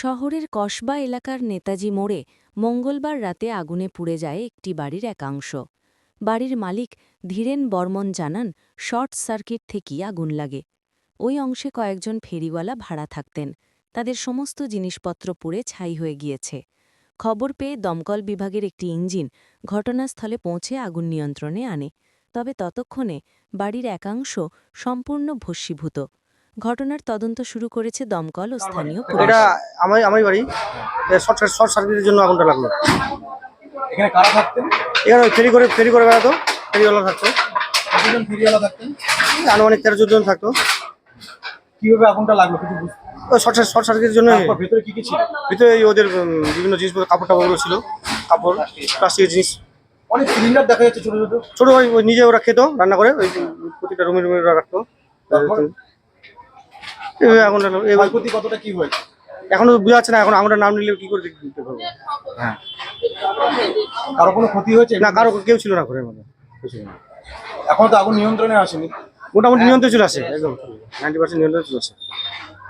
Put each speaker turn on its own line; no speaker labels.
শহরের কসবা এলাকার নেতাজি মোড়ে মঙ্গলবার রাতে আগুনে পুড়ে যায় একটি বাড়ির একাংশ। বাড়ির মালিক ধীরেন বর্মন জানান, শর্ট সার্কিট থেকেই আগুন লাগে। ওই অংশে কয়েকজন ফেরিওয়ালা ভাড়া থাকতেন। তাদের সমস্ত জিনিসপত্র পুড়ে ছাই হয়ে গিয়েছে। খবর পেয়ে দমকল বিভাগের একটি ইঞ্জিন ঘটনাস্থলে পৌঁছে আগুন নিয়ন্ত্রণে আনে। তবে ততক্ষণে বাড়ির একাংশ সম্পূর্ণ ভস্মীভূত। ঘটনার তদন্ত শুরু করেছে দমকল ও স্থানীয় পুলিশ।
এটা আমার বাড়ি। শর্ট সার্কিটের জন্য আগুনটা লাগলো।
এখানে কারা থাকতেন?
এখানে ফেরি করে বেড়াতো, ফেরিওয়ালা থাকতো।
কতজন ফেরিওয়ালা থাকতেন?
আনুমানিক 13-14 জন থাকতো।
কিভাবে আগুনটা লাগলো কিছু বুঝতে?
শর্ট সার্কিটের জন্য।
তারপর ভেতরে কি কি ছিল?
ভিতরে ওদের বিভিন্ন জিনিসপত্র, কাপড়গুলো ছিল, কাপড়, প্লাস্টিকের জিনিস।
অনেক সিলিন্ডার দেখা যাচ্ছে ছোট ছোট।
ছোট ভাই ওই নিজে ওরা খেত, রান্না করে ওই প্রতিটা রুমে ওরা রাখতো। এইভাবে আগুনটা লাগলো।
ক্ষয়ক্ষতি কতটা কি হয়েছে
এখনো বোঝা যাচ্ছে না, এখন আগুনটার নাম নিলে কি করে দেখতে পারবো।
হ্যাঁ, কারো কোনো ক্ষতি হয়েছে
না, কারো কেউ ছিল না ঘরের মধ্যে, কেউ ছিল না।
এখনো তো আগুন নিয়ন্ত্রণে আসেনি।
মোটামুটি নিয়ন্ত্রণে চলে আসে, একদম 90% নিয়ন্ত্রণে চলে আসে।